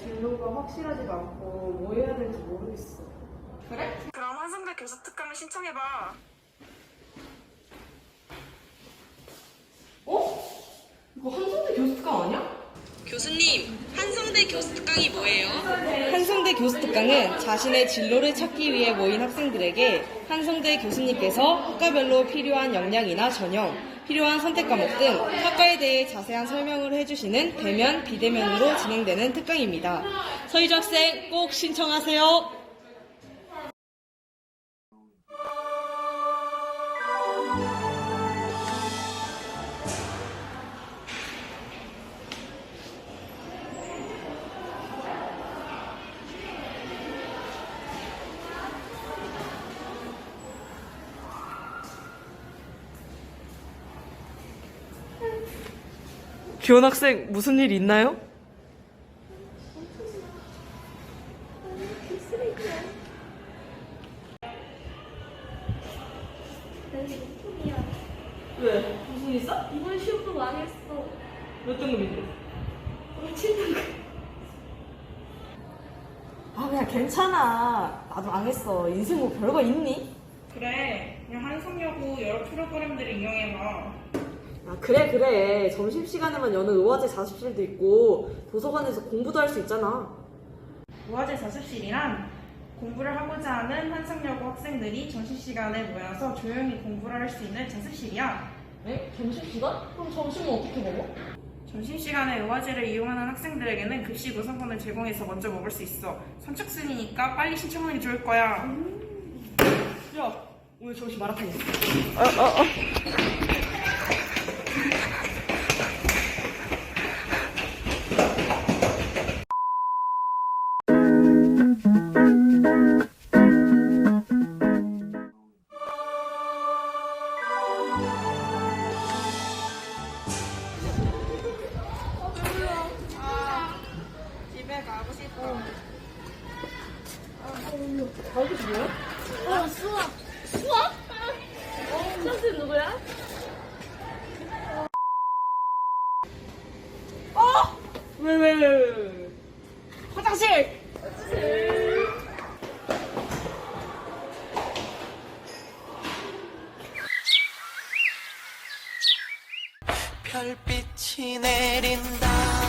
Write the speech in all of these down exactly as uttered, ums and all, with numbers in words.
진로가 확실하지가 않고 뭐 해야 될지 모르겠어. 그래? 그럼 한성대 교수 특강을 신청해봐. 어? 이거 한성대 교수 특강 아니야? 교수님, 한성대 교수 특강이 뭐예요? 한성대 교수 특강은 자신의 진로를 찾기 위해 모인 학생들에게 한성대 교수님께서 학과별로 필요한 역량이나 전형, 필요한 선택 과목 등 학과에 대해 자세한 설명을 해주시는 대면, 비대면으로 진행되는 특강입니다. 서희주 학생 꼭 신청하세요. 기원 학생 무슨 일 있나요? 왜? 무슨 일 있어? 이번 시험도 망했어. 몇 등급인데? 칠 등급. 아 그냥 괜찮아. 나도 망했어. 인생 뭐 별거 있니? 그래, 그냥 한성여고 여러 프로그램들을 이용해봐. 아 그래 그래. 점심시간에만 여는 의화제 자습실도 있고 도서관에서 공부도 할 수 있잖아. 의화제 자습실이란 공부를 하고자 하는 한성여고 학생들이 점심시간에 모여서 조용히 공부를 할 수 있는 자습실이야. 에? 점심시간? 그럼 점심은 어떻게 먹어? 점심시간에 의화제를 이용하는 학생들에게는 급식 우선권을 제공해서 먼저 먹을 수 있어. 선착순이니까 빨리 신청하는 게 좋을 거야. 음. 야 오늘 점심 마라탕 있어. 어, 어, 어. 집에 가고 싶어. 어, 수학. 수학? 어, 선생님 누구야? 왜, 왜, 왜, 왜, 왜. 화장실! 별빛이 내린다.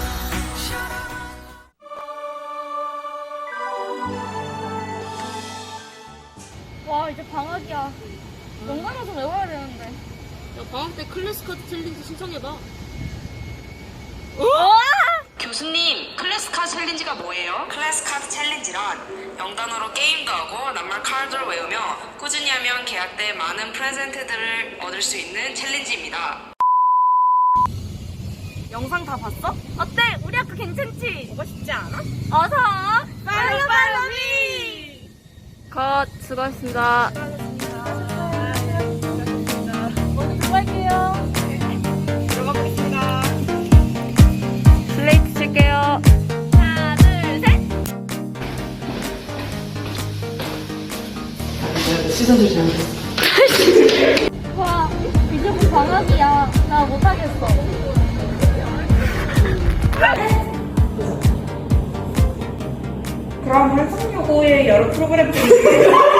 와, 이제 방학이야. 영단어 좀 외워야 되는데. 야, 방학 때 클래스 카드 챌린지 신청해봐. 교수님, 클래스 카드 챌린지가 뭐예요? 클래스 카드 챌린지란 영단어로 게임도 하고 낱말 카드를 외우며 꾸준히 하면 계약 때 많은 프레젠트들을 얻을 수 있는 챌린지입니다. 영상 다 봤어? 어때? 우리 학교 괜찮지? 보고 싶지 않아? 어서! 팔로우 팔로미! 컷, 수고하셨습니다. 먼저 들어갈게요. 들어가 보겠습니다. 슬레이트 칠게요. 하나, 둘, 셋! 시선 조심. 와, 이제 곧 방학이야. 나 못하겠어. 그럼 한성여고의 여러 프로그램들이